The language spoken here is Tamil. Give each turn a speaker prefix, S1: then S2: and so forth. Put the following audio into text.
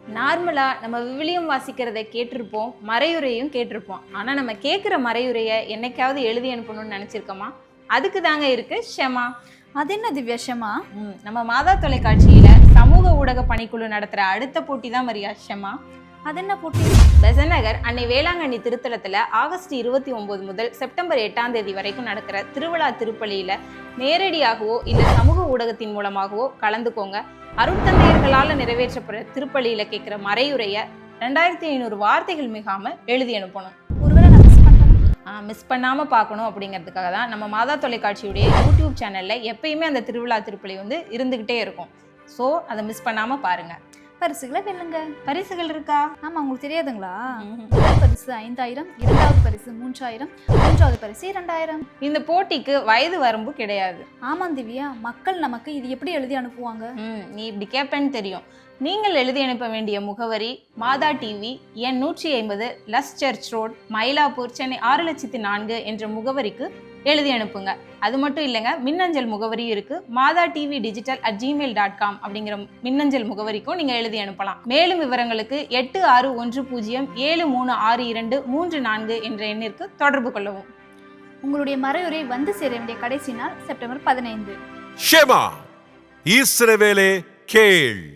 S1: நார்மலாக நம்ம விவிலியம் வாசிக்கிறத கேட்டிருப்போம், மறையுரையும் கேட்டிருப்போம். ஆனால் நம்ம கேட்குற மறையுரையை என்னைக்காவது எழுதி அனுப்பணும்னு நினச்சிருக்கோமா? அதுக்கு தாங்க இருக்கு ஷெமா.
S2: அது என்ன திவ்யா ஷெமா?
S1: நம்ம மாதா தொலைக்காட்சியில சமூக ஊடக பணிக்குழு நடத்துகிற அடுத்த போட்டி தான் மரியா ஷெமா.
S2: அது என்ன போட்டி?
S1: பெசநகர் அன்னை வேளாங்கண்ணி திருத்தலத்தில் ஆகஸ்ட் 29 முதல் செப்டம்பர் 8ஆம் தேதி வரைக்கும் நடக்கிற திருவிழா திருப்பலியில் நேரடியாகவோ இல்லை சமூக ஊடகத்தின் மூலமாகவோ கலந்துக்கோங்க. அருட்தந்தையர்களால் நிறைவேற்றப்படுற திருப்பலியில் கேட்குற மறையுரையை 2500 வார்த்தைகள் மிகாமல் எழுதி அனுப்பணும்.
S2: ஒருவேளை நான்
S1: மிஸ் பண்ணாமல் பார்க்கணும் அப்படிங்கிறதுக்காக தான் நம்ம மாதா தொலைக்காட்சியுடைய யூடியூப் சேனலில் எப்பயுமே அந்த திருவிழா திருப்பலி இருந்துக்கிட்டே இருக்கும். ஸோ அதை மிஸ் பண்ணாமல் பாருங்கள்.
S2: பரிசுகளை வெல்லுங்க.
S1: பரிசுகள் இருக்கா?
S2: ஆமா, உங்களுக்கு தெரியாதுங்களா? முதல் பரிசு 5000, இரண்டாவது பரிசு 3000, மூன்றாவது பரிசு 2000.
S1: இந்த போட்டிக்கு வயது வரம்பு கிடையாது.
S2: ஆமா திவ்யா, மக்கள் நமக்கு இது எப்படி எழுதி அனுப்புவாங்க?
S1: நீ இப்படி கேட்பேன்னு தெரியும். நீங்கள் எழுதி அனுப்ப வேண்டிய முகவரி மாதா டிவி, எண் 150, லஸ் சர்ச் ரோட், மயிலாப்பூர், சென்னை 600400 என்ற முகவரிக்கு எழுதி அனுப்புங்க. அது மட்டும் இல்லைங்க, மின்னஞ்சல் முகவரியும் இருக்கு. மாதா டிவி digital@gmail.com அப்படிங்கிற மின்னஞ்சல் முகவரிக்கும் நீங்க எழுதி அனுப்பலாம். மேலும் விவரங்களுக்கு 8610736234 என்ற எண்ணிற்கு தொடர்பு கொள்ளவும்.
S2: உங்களுடைய மறையுரை வந்து சேர வேண்டிய கடைசி நாள் செப்டம்பர் 15.
S3: ஷெமா, இஸ்ரவேலே கேள்.